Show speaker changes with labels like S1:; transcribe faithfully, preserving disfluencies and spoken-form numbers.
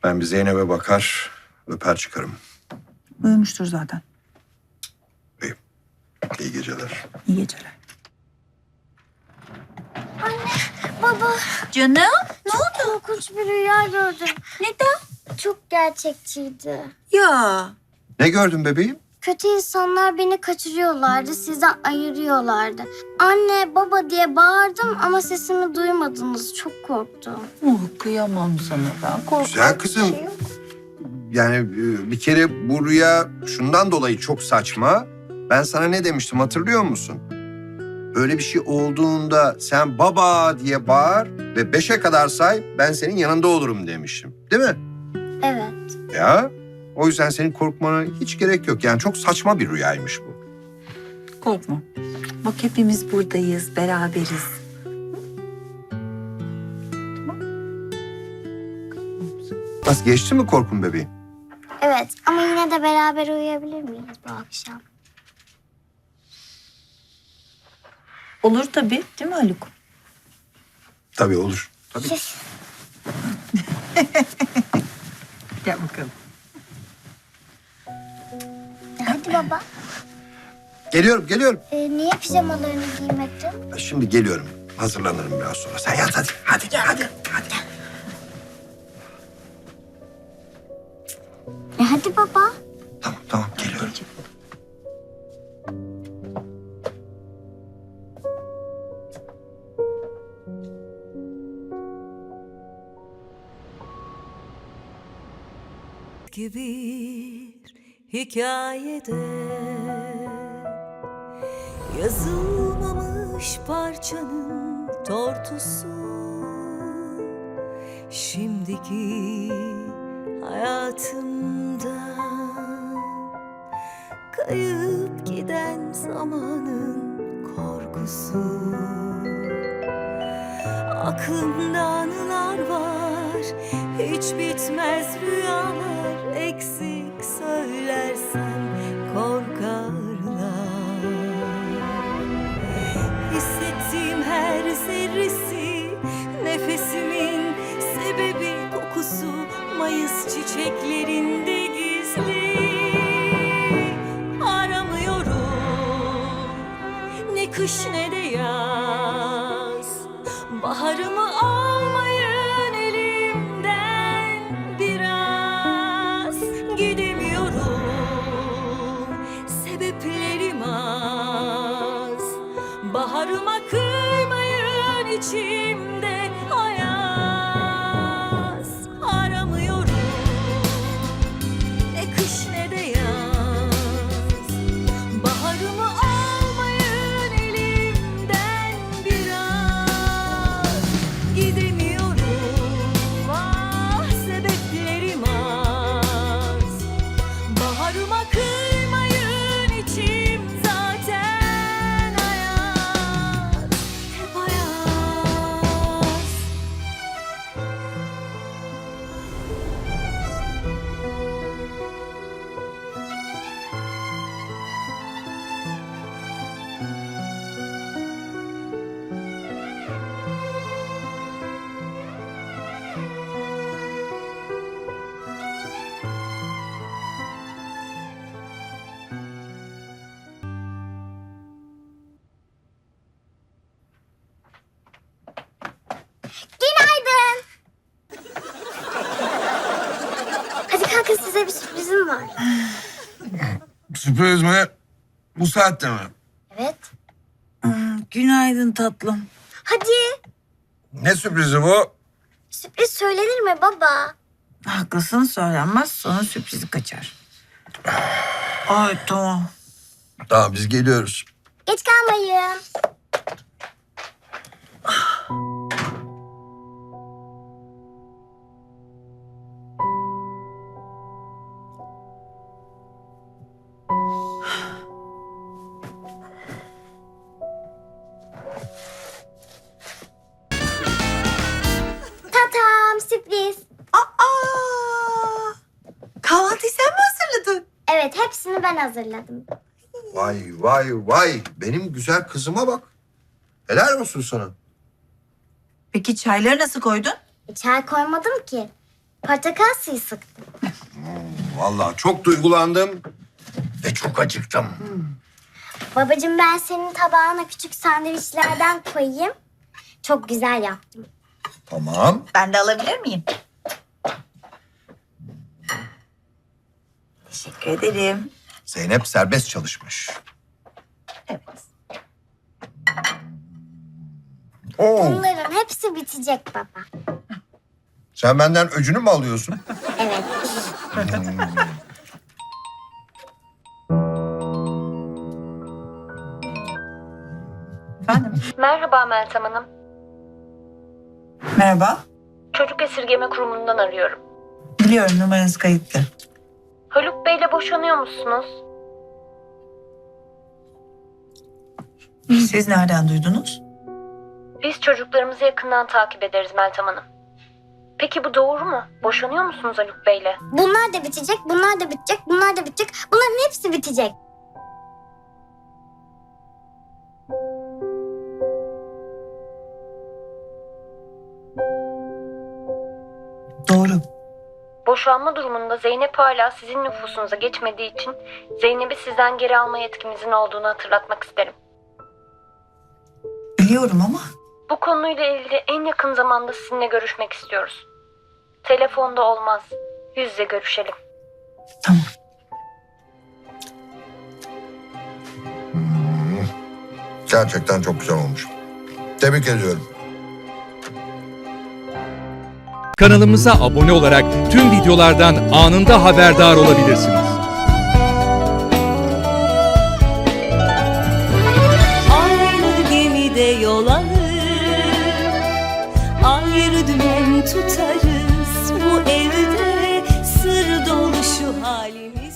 S1: Ben bir Zeynep'e bakar, öper çıkarım.
S2: Uyumuştur zaten.
S1: İyi, iyi geceler.
S2: İyi geceler.
S3: Baba,
S2: Canım, ne oldu?
S3: korkunç bir rüya gördüm.
S2: Neden?
S3: Çok gerçekçiydi.
S2: Ya.
S1: Ne gördün bebeğim?
S3: Kötü insanlar beni kaçırıyorlardı, sizden ayırıyorlardı. Anne, baba diye bağırdım ama sesimi duymadınız. Çok korktum.
S2: Oh, kıyamam sana ben. Korktum.
S1: Güzel kızım. Yani e, bir kere bu rüya şundan dolayı çok saçma. Ben sana ne demiştim hatırlıyor musun? Öyle bir şey olduğunda sen baba diye bağır ve beşe kadar say, ben senin yanında olurum demiştim. Değil mi?
S3: Evet.
S1: Ya o yüzden senin korkmana hiç gerek yok. Yani çok saçma bir rüyaymış bu.
S2: Korkma. Bak hepimiz buradayız, beraberiz.
S1: Nasıl geçti mi korkun bebeğim?
S3: Evet ama yine de beraber uyuyabilir miyiz bu akşam?
S2: Olur tabii, değil mi Haluk?
S1: Tabii olur. Tabii.
S2: Gel bakalım.
S3: Hadi baba.
S1: Geliyorum, geliyorum.
S3: Ee, niye pijamalarını giymedin?
S1: Şimdi geliyorum. Hazırlanırım biraz sonra. Sen yat hadi. Hadi, hadi, hadi.
S3: E hadi baba.
S1: Tamam, tamam. Geliyorum.
S4: Eski bir hikayede yazılmamış parçanın tortusu, şimdiki hayatımda kayıp giden zamanın korkusu. Aklımda anılar var, hiç bitmez rüyalar, eksik söylersem korkarlar. Hissettiğim her zerresi, nefesimin sebebi, kokusu Mayıs çiçeklerinde gizli. Aramıyorum ne kış ne de yaz, baharımı almayın elimden biraz. Gidemiyorum, sebeplerim az, baharıma kıymayın, içimde ayaz. Aramıyorum ne kış ne de yaz, baharımı almayın elimden biraz. Gidemiyorum, ah sebeplerim az, baharıma kıymayın, içim zaten ayaz, hep ayaz.
S3: Günaydın. Hadi kalkın, size bir sürprizim var.
S5: Sürpriz mi? Bu saatte mi?
S3: Evet.
S2: Hmm, günaydın tatlım.
S3: Hadi.
S5: Ne sürprizi bu?
S3: Sürpriz söylenir mi baba?
S2: Haklısın, söylenmez, sonra sürprizi kaçar. Ay tamam.
S1: Tamam, biz geliyoruz.
S3: Geç kalmayın. Tatam, sürpriz.
S2: Aa! Kahvaltıyı sen mi hazırladın?
S3: Evet, hepsini ben hazırladım.
S1: Vay, vay, vay. Benim güzel kızıma bak. Helal olsun sana.
S2: Peki çayları nasıl koydun?
S3: E, çay koymadım ki. Portakal suyu sıktım.
S1: Vallahi çok duygulandım ve çok acıktım.
S3: Babacığım ben senin tabağına küçük sandviçlerden koyayım. Çok güzel yaptım.
S1: Tamam.
S2: Ben de alabilir miyim? Teşekkür ederim.
S1: Zeynep serbest çalışmış.
S2: Evet.
S1: Oo,
S3: Bunların hepsi bitecek baba.
S1: sen benden öcünü mü alıyorsun?
S3: Evet.
S2: Efendim?
S6: Merhaba Meltem Hanım.
S2: Merhaba.
S6: Çocuk Esirgeme Kurumu'ndan arıyorum.
S2: Biliyorum, numaranız kayıtlı.
S6: Haluk Bey'le boşanıyor musunuz?
S2: Siz nereden duydunuz?
S6: Biz çocuklarımızı yakından takip ederiz Meltem Hanım. Peki bu doğru mu? Boşanıyor musunuz Haluk Bey'le?
S3: Bunlar da bitecek, bunlar da bitecek, bunlar da bitecek. Bunların hepsi bitecek.
S2: Doğru.
S6: Boşanma durumunda Zeynep hala sizin nüfusunuza geçmediği için Zeynep'i sizden geri alma yetkimizin olduğunu hatırlatmak isterim.
S2: Biliyorum ama
S6: Bu konuyla ilgili en yakın zamanda sizinle görüşmek istiyoruz. Telefonda olmaz. Yüz yüze görüşelim.
S2: tamam.
S1: Gerçekten çok güzel olmuş. Tebrik ediyorum.
S7: Kanalımıza abone olarak tüm videolardan anında haberdar olabilirsiniz.
S4: Aynı gemide yol alır, ayrı dümen tutarız. Bu evde sır dolu şu halimiz.